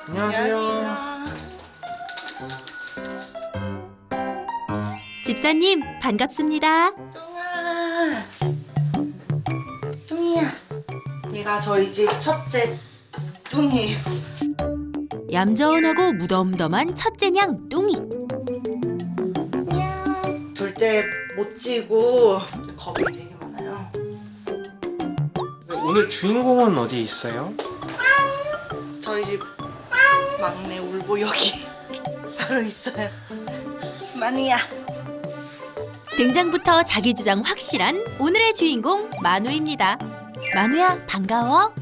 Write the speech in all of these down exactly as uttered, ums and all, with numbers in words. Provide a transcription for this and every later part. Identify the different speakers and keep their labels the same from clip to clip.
Speaker 1: 안녕하세요.
Speaker 2: 집사님 반갑습니다.
Speaker 1: 뚱아, 뚱이야. 얘가 저희 집 첫째 뚱이에요.
Speaker 2: 얌전하고 무덤덤한 첫째 냥 뚱이.
Speaker 1: 둘 때 못 찌고 겁이 되게 많아요.
Speaker 3: 오늘 주인공은 어디 있어요?
Speaker 1: 저희 집 막내 울보여기 바로 있어요. 마누야.
Speaker 2: 등장부터 자기 주장 확실한 오늘의 주인공 만우입니다. 만우야 반가워.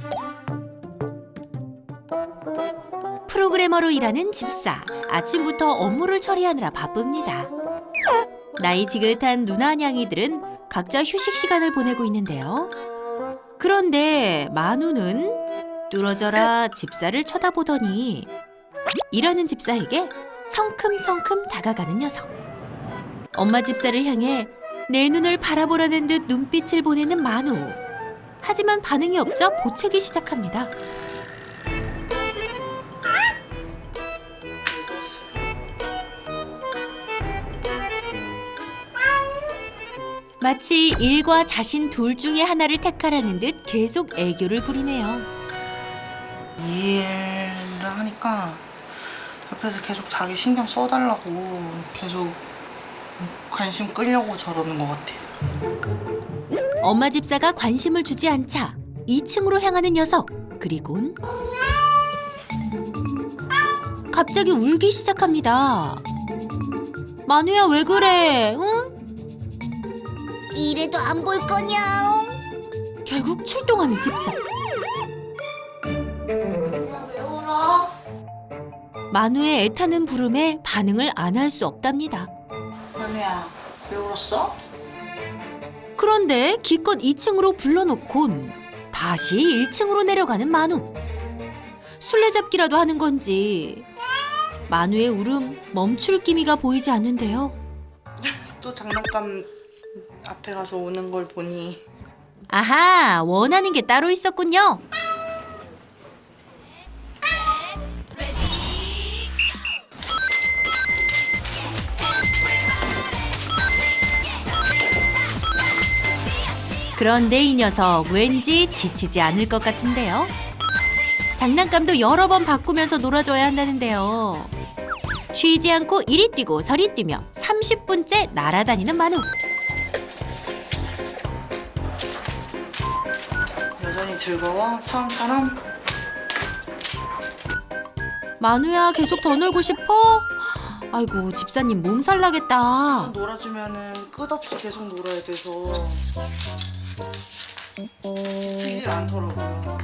Speaker 2: 프로그래머로 일하는 집사. 아침부터 업무를 처리하느라 바쁩니다. 나이 지긋한 누나 냥이들은 각자 휴식 시간을 보내고 있는데요. 그런데 만우는 뚫어져라 집사를 쳐다보더니 일하는 집사에게 성큼성큼 다가가는 녀석. 엄마 집사를 향해 내 눈을 바라보라는 듯 눈빛을 보내는 만우. 하지만 반응이 없자 보채기 시작합니다. 마치 일과 자신 둘 중에 하나를 택하라는 듯 계속 애교를 부리네요.
Speaker 1: 이 일을 하니까 옆에서 계속 자기 신경 써달라고 계속 관심 끌려고 저러는 것 같아요.
Speaker 2: 엄마 집사가 관심을 주지 않자 이 층으로 향하는 녀석. 그리곤 갑자기 울기 시작합니다. 만우야 왜 그래? 응?
Speaker 4: 이래도 안 볼 거냐?
Speaker 2: 결국 출동하는 집사.
Speaker 1: 왜 울어?
Speaker 2: 만우의 애타는 부름에 반응을 안 할 수 없답니다.
Speaker 1: 마누야, 왜 울었어?
Speaker 2: 그런데 기껏 이 층으로 불러놓곤 다시 일 층으로 내려가는 만우. 술래잡기라도 하는 건지 만우의 울음 멈출 기미가 보이지 않는데요.
Speaker 1: 또 장난감 앞에 가서 우는 걸 보니
Speaker 2: 아하, 원하는 게 따로 있었군요. 그런데 이 녀석 왠지 지치지 않을 것 같은데요. 장난감도 여러 번 바꾸면서 놀아줘야 한다는데요. 쉬지 않고 이리 뛰고 저리 뛰며 삼십 분째 날아다니는 만우.
Speaker 1: 여전히 즐거워? 처음처럼?
Speaker 2: 만우야 계속 더 놀고 싶어? 아이고 집사님 몸살 나겠다.
Speaker 1: 놀아주면은 끝없이 계속 놀아야 돼서 지치질 않더라고요.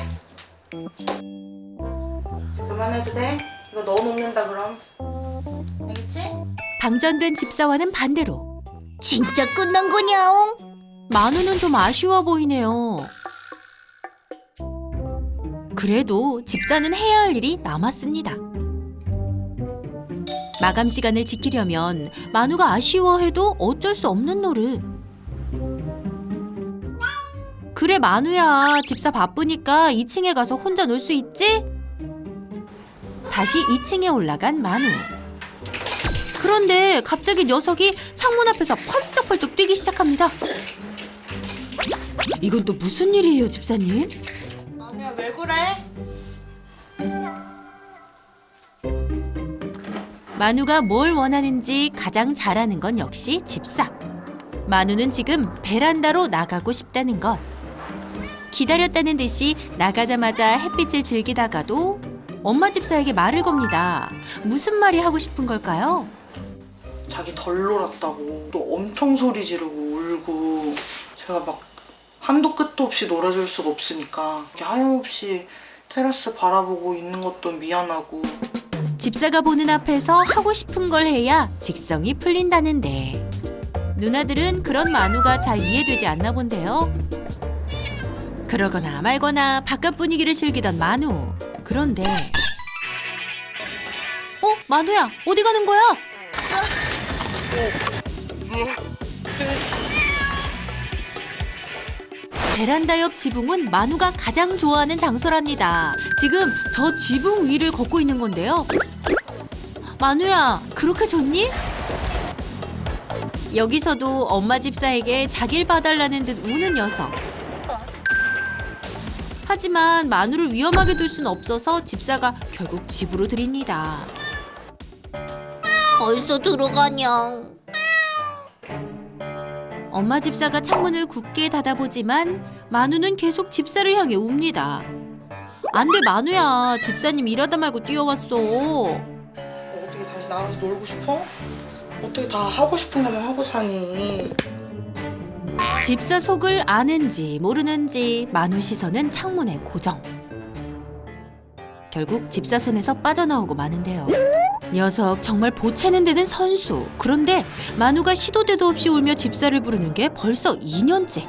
Speaker 1: 그만해도 돼? 이거 너 먹는다 그럼. 알겠지?
Speaker 2: 방전된 집사와는 반대로
Speaker 4: 진짜 끝난 거냐?
Speaker 2: 만우는 좀 아쉬워 보이네요. 그래도 집사는 해야 할 일이 남았습니다. 마감 시간을 지키려면 만우가 아쉬워해도 어쩔 수 없는 노릇. 그래 만우야, 집사 바쁘니까 이 층에 가서 혼자 놀 수 있지? 다시 이 층에 올라간 만우. 그런데 갑자기 녀석이 창문 앞에서 펄쩍펄쩍 뛰기 시작합니다. 이건 또 무슨 일이에요, 집사님?
Speaker 1: 마누야 왜 그래?
Speaker 2: 만우가 뭘 원하는지 가장 잘 아는 건 역시 집사. 만우는 지금 베란다로 나가고 싶다는 것. 기다렸다는 듯이 나가자마자 햇빛을 즐기다가도 엄마 집사에게 말을 겁니다. 무슨 말이 하고 싶은 걸까요?
Speaker 1: 자기 덜 놀았다고 또 엄청 소리 지르고 울고 제가 막 한도 끝도 없이 놀아줄 수가 없으니까 이렇게 하염없이 테라스 바라보고 있는 것도 미안하고.
Speaker 2: 집사가 보는 앞에서 하고 싶은 걸 해야 직성이 풀린다는데 누나들은 그런 만우가 잘 이해되지 않나 본데요. 그러거나 말거나 바깥 분위기를 즐기던 만우. 그런데 어? 만우야 어디 가는 거야? 베란다 옆 지붕은 만우가 가장 좋아하는 장소랍니다. 지금 저 지붕 위를 걷고 있는 건데요. 만우야, 그렇게 좋니? 여기서도 엄마 집사에게 자길 봐달라는 듯 우는 녀석. 하지만 만우를 위험하게 둘 순 없어서 집사가 결국 집으로 들입니다.
Speaker 4: 벌써 들어가냐?
Speaker 2: 엄마 집사가 창문을 굳게 닫아보지만 만우는 계속 집사를 향해 웁니다. 안 돼, 만우야. 집사님 일하다 말고 뛰어왔어.
Speaker 1: 어떻게 다시 나가서 놀고 싶어? 어떻게 다 하고 싶은 것만 하고 사니?
Speaker 2: 집사 속을 아는지 모르는지 만우 시선은 창문에 고정. 결국 집사 손에서 빠져나오고 마는데요. 녀석 정말 보채는 데는 선수. 그런데 만우가 시도 때도 없이 울며 집사를 부르는 게 벌써 이 년째.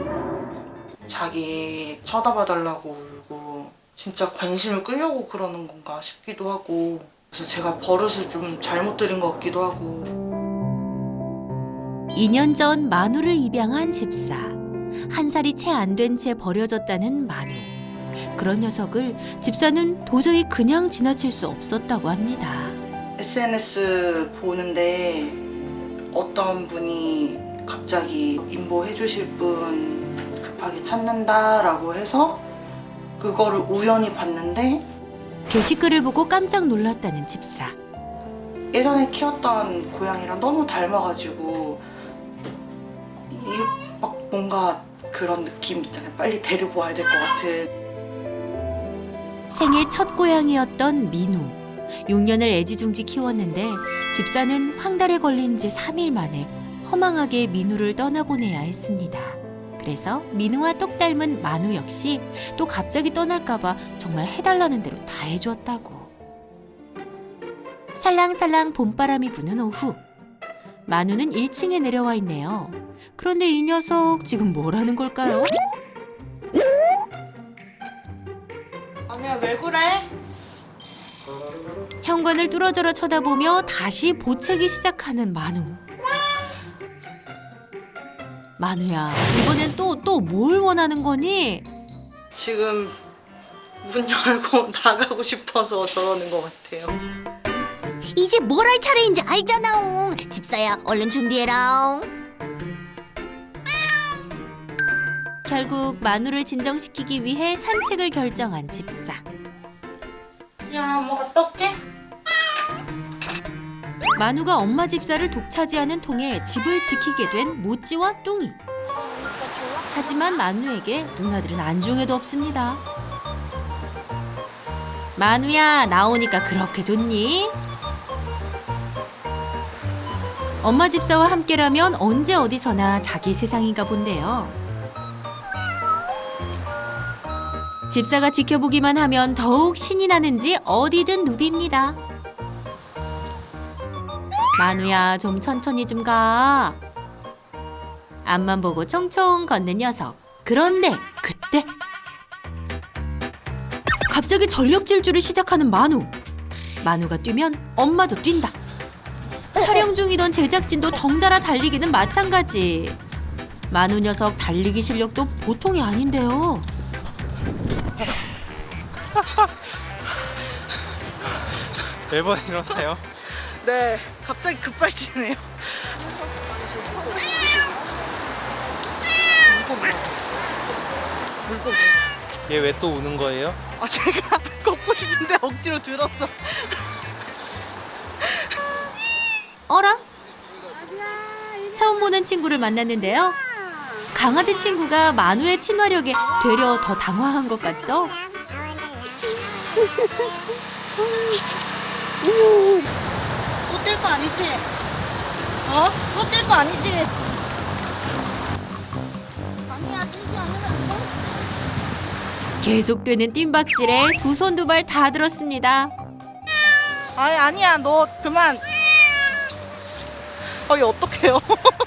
Speaker 1: 자기 쳐다봐달라고 울고 진짜 관심을 끌려고 그러는 건가 싶기도 하고, 그래서 제가 버릇을 좀 잘못 들인 것 같기도 하고.
Speaker 2: 이 년 전 만우를 입양한 집사. 한 살이 채 안 된 채 버려졌다는 만우. 그런 녀석을 집사는 도저히 그냥 지나칠 수 없었다고 합니다.
Speaker 1: 에스엔에스 보는데 어떤 분이 갑자기 인보해 주실 분 급하게 찾는다라고 해서 그거를 우연히 봤는데,
Speaker 2: 게시글을 보고 깜짝 놀랐다는 집사.
Speaker 1: 예전에 키웠던 고양이랑 너무 닮아가지고 이 막 뭔가 그런 느낌 있잖아요. 빨리 데리고 와야 될 것 같은.
Speaker 2: 생애 첫 고양이였던 민우. 육 년을 애지중지 키웠는데 집사는 황달에 걸린 지 삼 일 만에 허망하게 민우를 떠나보내야 했습니다. 그래서 민우와 똑 닮은 만우 역시 또 갑자기 떠날까봐 정말 해달라는 대로 다 해주었다고. 살랑살랑 봄바람이 부는 오후. 만우는 일 층에 내려와 있네요. 그런데 이 녀석 지금 뭘 하는 걸까요?
Speaker 1: 아니야, 왜 그래?
Speaker 2: 현관을 뚫어져라 쳐다보며 다시 보채기 시작하는 만우. 만우야, 이번엔 또 또 뭘 원하는 거니?
Speaker 1: 지금 문 열고 나가고 싶어서 저러는 것 같아요.
Speaker 4: 이제 뭘 할 차례인지 알잖아. 집사야, 얼른 준비해라.
Speaker 2: 결국 만우를 진정시키기 위해 산책을 결정한 집사.
Speaker 1: 야, 엄마 갔다 올게.
Speaker 2: 만우가 엄마 집사를 독차지하는 통에 집을 지키게 된 모찌와 뚱이. 하지만 만우에게 누나들은 안중에도 없습니다. 만우야, 나오니까 그렇게 좋니? 엄마 집사와 함께라면 언제 어디서나 자기 세상인가 본데요. 집사가 지켜보기만 하면 더욱 신이 나는지 어디든 누빕니다. 만우야, 좀 천천히 좀 가. 앞만 보고 총총 걷는 녀석. 그런데 그때 갑자기 전력 질주를 시작하는 만우. 만우가 뛰면 엄마도 뛴다. 촬영 중이던 제작진도 덩달아 달리기는 마찬가지. 만우 녀석 달리기 실력도 보통이 아닌데요.
Speaker 3: 매번 일어나요?
Speaker 1: 네, 갑자기 급발진해요. 물고기.
Speaker 3: 얘 왜 또 우는 거예요?
Speaker 1: 아, 제가 걷고 싶은데 억지로 들었어.
Speaker 2: 어라? 처음 보는 친구를 만났는데요. 강아지 친구가 만우의 친화력에 되려 더 당황한 것 같죠?
Speaker 1: 또 뛸 거 아니지? 어? 또 뛸 거 아니지? 아니야, 뛰지 않으면 안 돼.
Speaker 2: 계속되는 뜀박질에 두 손 두 발 다 들었습니다.
Speaker 1: 아니, 아니야, 너 그만. 어, 이거 어떡해요?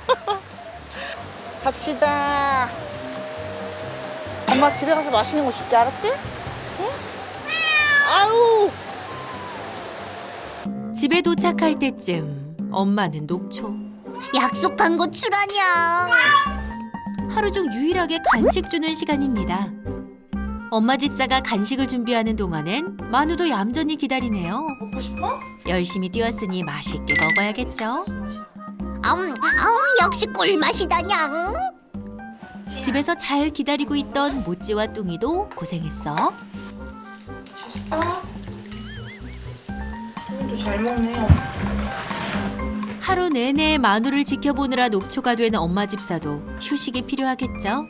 Speaker 1: 갑시다. 엄마 집에 가서 맛있는 거 줄게, 알았지? 응? 아우!
Speaker 2: 집에 도착할 때쯤 엄마는 녹초.
Speaker 4: 약속한 거 출하냐?
Speaker 2: 하루 중 유일하게 간식 주는 시간입니다. 엄마 집사가 간식을 준비하는 동안엔 만우도 얌전히 기다리네요.
Speaker 1: 먹고 싶어?
Speaker 2: 열심히 뛰었으니 맛있게 먹어야겠죠.
Speaker 4: 음, 음, 역시 꿀맛이다냥.
Speaker 2: 집에서 잘 기다리고 있던 모찌와 뚱이도 고생했어.
Speaker 1: 됐어? 오늘도 잘 먹네요.
Speaker 2: 하루 내내 만우를 지켜보느라 녹초가 된 엄마 집사도 휴식이 필요하겠죠.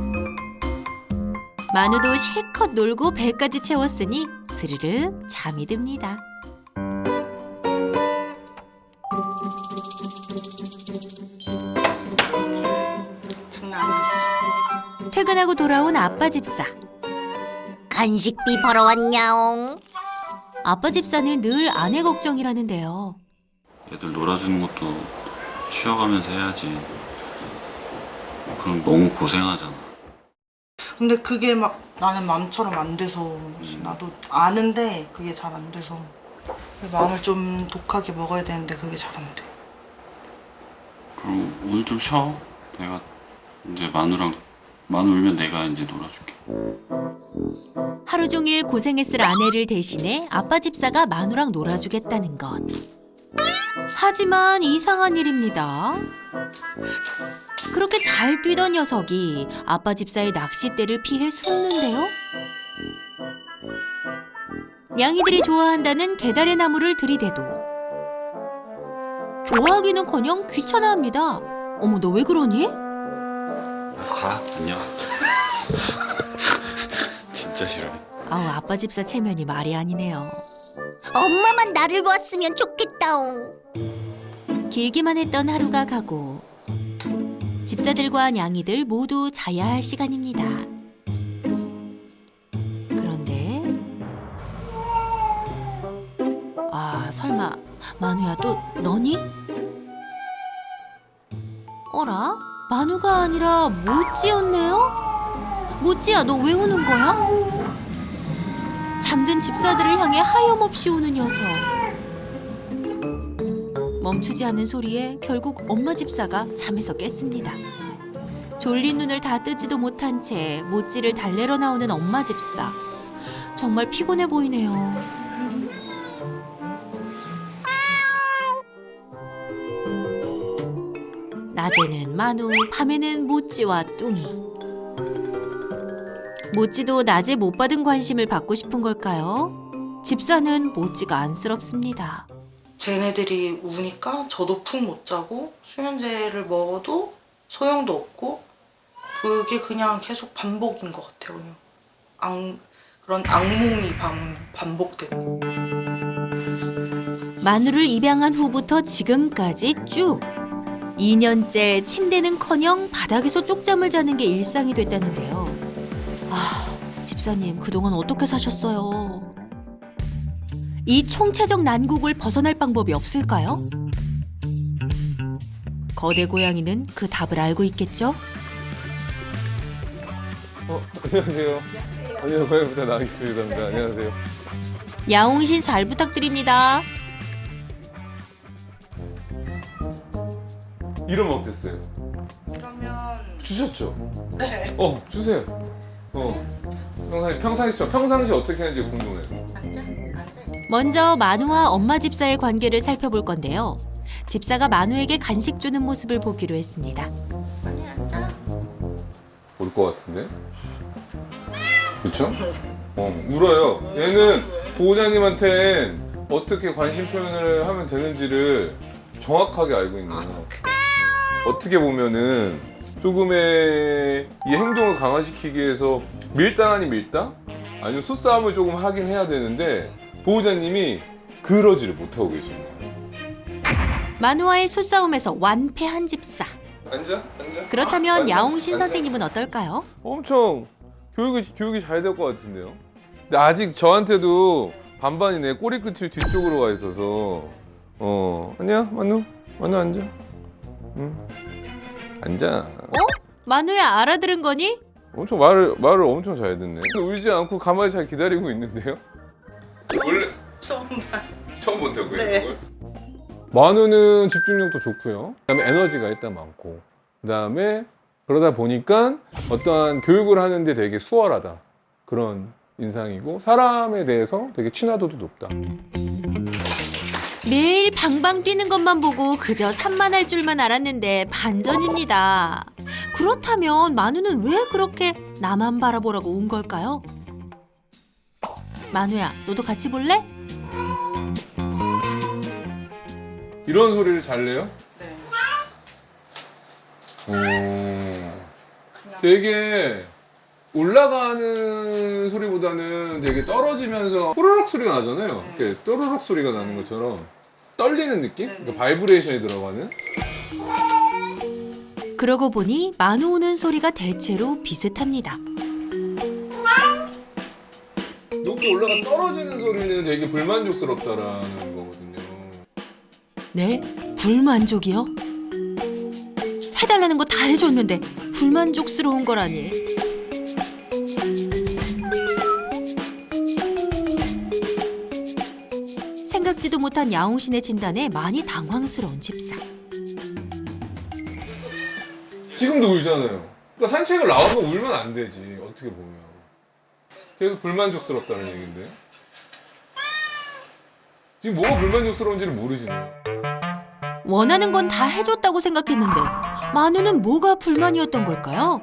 Speaker 2: 만우도 실컷 놀고 배까지 채웠으니 스르르 잠이 듭니다.
Speaker 1: 장난 아니었어.
Speaker 2: 퇴근하고 돌아온 아빠 집사.
Speaker 4: 간식비 벌어왔냐옹.
Speaker 2: 아빠 집사는 늘 아내 걱정이라는데요.
Speaker 5: 애들 놀아주는 것도 쉬어가면서 해야지. 그럼 너무 고생하잖아.
Speaker 1: 근데 그게 막 나는 마음처럼 안 돼서 나도 아는데 그게 잘 안 돼서 마음을 좀 독하게 먹어야 되는데 그게 잘 안 돼.
Speaker 5: 그럼 오늘 좀 쉬어. 내가 이제 만우랑 만우 울면 내가 이제 놀아줄게.
Speaker 2: 하루 종일 고생했을 아내를 대신해 아빠 집사가 만우랑 놀아주겠다는 것. 하지만 이상한 일입니다. 그렇게 잘 뛰던 녀석이 아빠 집사의 낚싯대를 피해 숨는데요. 냥이들이 좋아한다는 개다리 나무를 들이대도 좋아하기는커녕 귀찮아합니다. 어머, 너 왜 그러니?
Speaker 5: 가. 안녕. 진짜 싫어해.
Speaker 2: 아우, 아빠 집사 체면이 말이 아니네요.
Speaker 4: 엄마만 나를 보았으면 좋겠다옹.
Speaker 2: 길기만 했던 하루가 가고 집사들과 냥이들 모두 자야 할 시간입니다. 그런데 아, 설마 만우야 또 너니? 어라? 만우가 아니라 모찌였네요? 모찌야, 너 왜 우는 거야? 잠든 집사들을 향해 하염없이 우는 녀석. 멈추지 않는 소리에 결국 엄마 집사가 잠에서 깼습니다. 졸린 눈을 다 뜨지도 못한 채 모찌를 달래러 나오는 엄마 집사. 정말 피곤해 보이네요. 낮에는 만우, 밤에는 모찌와 뚱이. 모찌도 낮에 못 받은 관심을 받고 싶은 걸까요? 집사는 모찌가 안쓰럽습니다.
Speaker 1: 쟤네들이 우니까 저도 푹 못 자고 수면제를 먹어도 소용도 없고 그게 그냥 계속 반복인 것 같아요. 그냥 악, 그런 악몽이 반, 반복되는 거.
Speaker 2: 만우를 입양한 후부터 지금까지 쭉 이 년째 침대는커녕 바닥에서 쪽잠을 자는 게 일상이 됐다는데요. 아, 집사님 그동안 어떻게 사셨어요? 이 총체적 난국을 벗어날 방법이 없을까요? 거대 고양이는 그 답을 알고 있겠죠?
Speaker 6: 어, 안녕하세요. 안녕하세요. 고양이부터 나가겠습니다. 안녕하세요.
Speaker 2: 야옹신 잘 부탁드립니다.
Speaker 6: 이름 어땠어요?
Speaker 1: 그러면
Speaker 6: 주셨죠?
Speaker 1: 네.
Speaker 6: 어, 주세요. 어. 평상시, 평상시, 평상시 어떻게 하는지 궁금해요.
Speaker 1: 앉아? 앉아.
Speaker 2: 먼저 만우와 엄마 집사의 관계를 살펴볼 건데요. 집사가 만우에게 간식 주는 모습을 보기로 했습니다.
Speaker 1: 아니 앉아.
Speaker 6: 올 것 같은데? 그쵸? 어, 울어요. 얘는 보호자님한텐 어떻게 관심 표현을 하면 되는지를 정확하게 알고 있는 거예요. 어떻게 보면은 조금의 이 행동을 강화시키기 위해서 밀당 아닌 밀당? 아니면 수싸움을 조금 하긴 해야 되는데 보호자님이 그러지를 못하고 계시는 거예요.
Speaker 2: 만우와의 수싸움에서 완패한 집사.
Speaker 6: 앉아? 앉아?
Speaker 2: 그렇다면
Speaker 6: 앉아,
Speaker 2: 야옹신
Speaker 6: 앉아.
Speaker 2: 선생님은 어떨까요?
Speaker 6: 엄청 교육이, 교육이 잘 될 것 같은데요? 근데 아직 저한테도 반반이네. 꼬리 끝이 뒤쪽으로 가 있어서. 어, 아니야, 만우? 만우 앉아. 응. 앉아.
Speaker 2: 어? 만우야, 알아들은 거니?
Speaker 6: 엄청 말을, 말을 엄청 잘 듣네. 울지 않고 가만히 잘 기다리고 있는데요? 원래
Speaker 1: 처음 봐.
Speaker 6: 처음 본다고요,
Speaker 1: 네.
Speaker 6: 이걸? 만우는 집중력도 좋고요. 그다음에 에너지가 일단 많고, 그다음에 그러다 보니까 어떠한 교육을 하는데 되게 수월하다. 그런 인상이고 사람에 대해서 되게 친화도도 높다.
Speaker 2: 매일 방방 뛰는 것만 보고 그저 산만할 줄만 알았는데 반전입니다. 그렇다면 만우는 왜 그렇게 나만 바라보라고 운 걸까요? 만우야, 너도 같이 볼래?
Speaker 6: 이런 소리를 잘 내요?
Speaker 1: 네.
Speaker 6: 오,
Speaker 1: 그냥
Speaker 6: 되게 올라가는 소리보다는 되게 떨어지면서 호로록 소리가 나잖아요. 이렇게 또르륵 소리가 나는 것처럼 떨리는 느낌?
Speaker 1: 네네.
Speaker 6: 그러니까 바이브레이션이 들어가는.
Speaker 2: 그러고 보니 만우 우는 소리가 대체로 비슷합니다.
Speaker 6: 높게 올라가 떨어지는 소리는 되게 불만족스럽다라는 거거든요.
Speaker 2: 네? 불만족이요? 해달라는 거 다 해줬는데 불만족스러운 거라니. 생각지도 못한 야옹신의 진단에 많이 당황스러운 집사.
Speaker 6: 지금도 울잖아요. 그러니까 산책을 나와서 울면 안 되지. 어떻게 보면. 그래서 불만족스럽다는 얘기인데. 지금 뭐가 불만족스러운지를 모르시네.
Speaker 2: 원하는 건 다 해줬다고 생각했는데 만우는 뭐가 불만이었던 걸까요?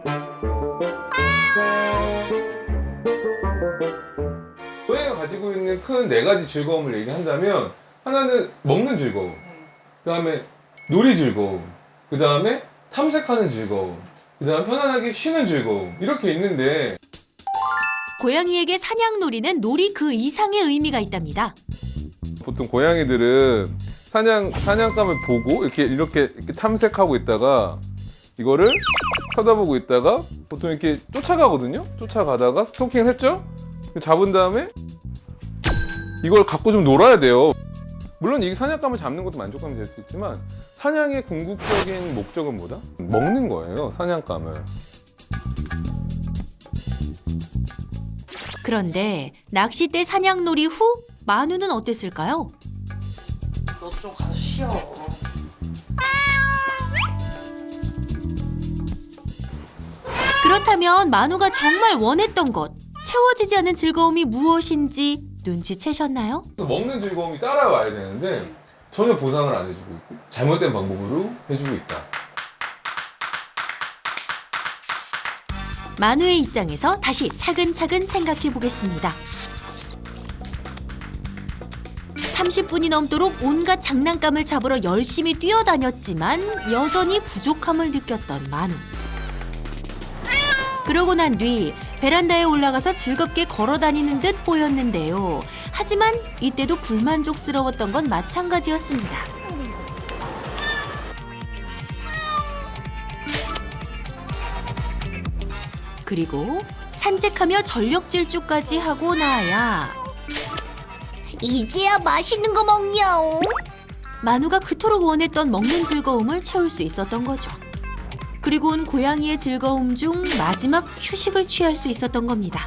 Speaker 6: 고양이가 가지고 있는 큰 네 가지 즐거움을 얘기한다면 하나는 먹는 즐거움, 그 다음에 놀이 즐거움, 그 다음에 탐색하는 즐거움, 그 다음 편안하게 쉬는 즐거움 이렇게 있는데
Speaker 2: 고양이에게 사냥놀이는 놀이 그 이상의 의미가 있답니다.
Speaker 6: 보통 고양이들은 사냥, 사냥감을 보고 이렇게, 이렇게 이렇게 탐색하고 있다가 이거를 쳐다보고 있다가 보통 이렇게 쫓아가거든요. 쫓아가다가 스토킹을 했죠. 잡은 다음에 이걸 갖고 좀 놀아야 돼요. 물론 이 사냥감을 잡는 것도 만족감이 될 수 있지만 사냥의 궁극적인 목적은 뭐다? 먹는 거예요, 사냥감을.
Speaker 2: 그런데 낚싯대 사냥놀이 후 만우는 어땠을까요?
Speaker 1: 너도 좀 가서 쉬어.
Speaker 2: 그렇다면 만우가 정말 원했던 것, 채워지지 않은 즐거움이 무엇인지 눈치채셨나요?
Speaker 6: 먹는 즐거움이 따라와야 되는데 전혀 보상을 안 해주고 있고 잘못된 방법으로 해주고 있다.
Speaker 2: 만우의 입장에서 다시 차근차근 생각해 보겠습니다. 삼십 분이 넘도록 온갖 장난감을 잡으러 열심히 뛰어다녔지만 여전히 부족함을 느꼈던 만우. 그러고 난 뒤 베란다에 올라가서 즐겁게 걸어 다니는 듯 보였는데요. 하지만 이때도 불만족스러웠던 건 마찬가지였습니다. 그리고 산책하며 전력 질주까지 하고 나야
Speaker 4: 이제야 맛있는 거 먹냐옹.
Speaker 2: 만우가 그토록 원했던 먹는 즐거움을 채울 수 있었던 거죠. 그리고는 고양이의 즐거움 중 마지막 휴식을 취할 수 있었던 겁니다.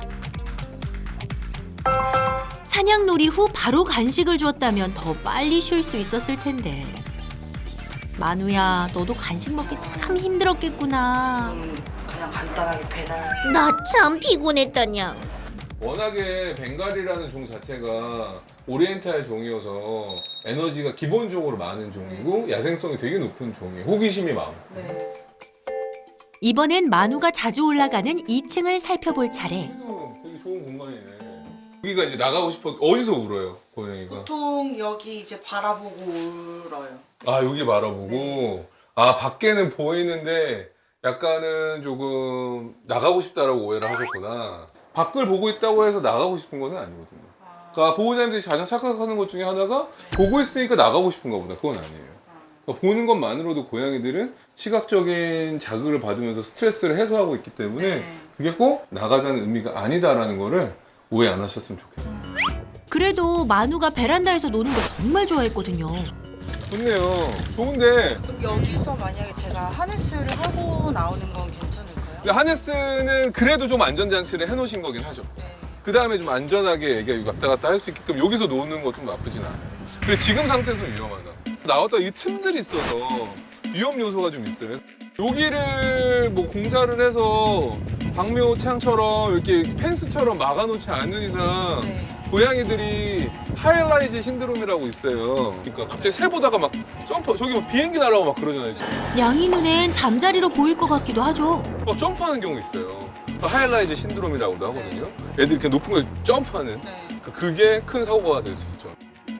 Speaker 2: 사냥놀이 후 바로 간식을 줬다면 더 빨리 쉴 수 있었을 텐데. 만우야, 너도 간식 먹기 참 힘들었겠구나.
Speaker 1: 음, 그냥 간단하게 배달.
Speaker 4: 나 참 피곤했다냥.
Speaker 6: 워낙에 벵갈이라는 종 자체가 오리엔탈 종이어서 에너지가 기본적으로 많은 종이고 야생성이 되게 높은 종이에요. 호기심이 많고.
Speaker 1: 네.
Speaker 2: 이번엔 만우가 자주 올라가는 이 층을 살펴볼 차례.
Speaker 6: 여기도 되게 좋은 공간이네. 여기가 이제 나가고 싶어. 어디서 울어요, 고양이가?
Speaker 1: 보통 여기 이제 바라보고 울어요.
Speaker 6: 아, 여기 바라보고. 아, 밖에는 보이는데 약간은 조금 나가고 싶다라고 오해를 하셨구나. 밖을 보고 있다고 해서 나가고 싶은 건 아니거든요. 그러니까 보호자님들이 가장 착각하는 것 중에 하나가 보고 있으니까 나가고 싶은가 보다. 그건 아니에요. 그러니까 보는 것만으로도 고양이들은 시각적인 자극을 받으면서 스트레스를 해소하고 있기 때문에 그게 꼭 나가자는 의미가 아니다라는 거를 오해 안 하셨으면 좋겠어요.
Speaker 2: 그래도 만우가 베란다에서 노는 거 정말 좋아했거든요.
Speaker 6: 좋네요. 좋은데
Speaker 1: 그럼 여기서 만약에 제가 하네스를 하고 나오는 건 괜찮을까요?
Speaker 6: 근데 하네스는 그래도 좀 안전장치를 해놓으신 거긴 하죠.
Speaker 1: 네.
Speaker 6: 그 다음에 좀 안전하게 애가 왔다 갔다 할 수 있게끔 여기서 노는 것도 나쁘진 않아요. 근데 지금 상태에서는 위험하다. 나왔다 이 틈들이 있어서 위험 요소가 좀 있어요. 여기를 뭐 공사를 해서 박묘창처럼 이렇게 펜스처럼 막아놓지 않는 이상
Speaker 1: 네.
Speaker 6: 고양이들이 하이라이즈 신드롬이라고 있어요. 그러니까 갑자기 새 보다가 막 점프, 저기 막 비행기 날아가고 막 그러잖아요. 지금.
Speaker 2: 양이 눈엔 잠자리로 보일 것 같기도 하죠.
Speaker 6: 막 점프하는 경우 있어요. 하이라이즈 신드롬이라고도 하거든요. 애들이 이렇게 높은 곳에서 점프하는.
Speaker 1: 네.
Speaker 6: 그러니까 그게 큰 사고가 될 수 있죠.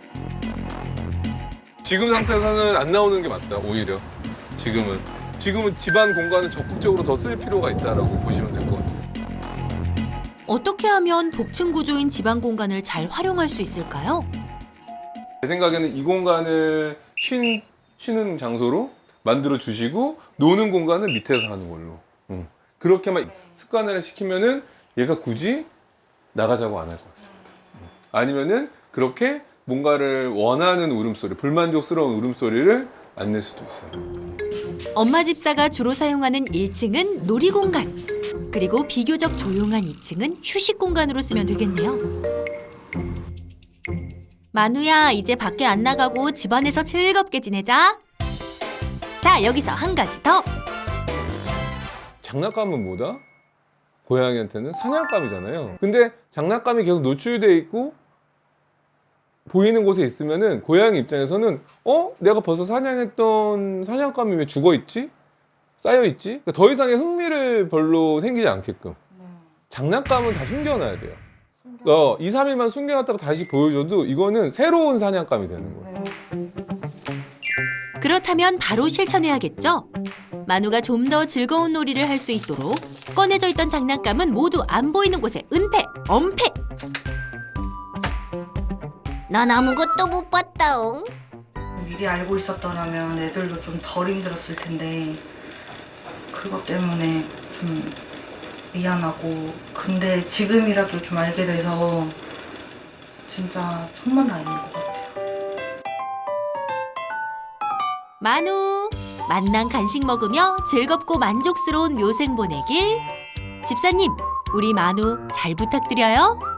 Speaker 6: 지금 상태에서는 안 나오는 게 맞다, 오히려. 지금은. 지금은 집안 공간을 적극적으로 더 쓸 필요가 있다라고 보시면 될 것 같아요.
Speaker 2: 어떻게 하면 복층 구조인 집안 공간을 잘 활용할 수 있을까요?
Speaker 6: 제 생각에는 이 공간을 쉰, 쉬는 장소로 만들어 주시고 노는 공간은 밑에서 하는 걸로. 응. 그렇게만 습관을 시키면은 얘가 굳이 나가자고 안 할 것 같습니다. 응. 아니면은 그렇게 뭔가를 원하는 울음소리, 불만족스러운 울음소리를 안 낼 수도 있어요.
Speaker 2: 엄마 집사가 주로 사용하는 일 층은 놀이공간, 그리고 비교적 조용한 이 층은 휴식 공간으로 쓰면 되겠네요. 만우야, 이제 밖에 안 나가고 집안에서 즐겁게 지내자. 자, 여기서 한 가지 더.
Speaker 6: 장난감은 뭐다? 고양이한테는 사냥감이잖아요. 근데 장난감이 계속 노출돼 있고 보이는 곳에 있으면은 고양이 입장에서는 어? 내가 벌써 사냥했던 사냥감이 왜 죽어있지? 쌓여있지? 그러니까 더 이상의 흥미를 별로 생기지 않게끔 장난감은 다 숨겨놔야 돼요. 어, 이, 삼 일만 숨겨놨다가 다시 보여줘도 이거는 새로운 사냥감이 되는 거예요.
Speaker 2: 그렇다면 바로 실천해야겠죠? 만우가 좀 더 즐거운 놀이를 할 수 있도록 꺼내져 있던 장난감은 모두 안 보이는 곳에 은폐, 엄폐!
Speaker 4: 난 아무것도 못 봤다옹.
Speaker 1: 미리 알고 있었더라면 애들도 좀 덜 힘들었을 텐데 그것 때문에 좀 미안하고 근데 지금이라도 좀 알게 돼서 진짜 천만다행인 것 같아요.
Speaker 2: 만우, 만난 간식 먹으며 즐겁고 만족스러운 묘생 보내길. 집사님, 우리 만우 잘 부탁드려요.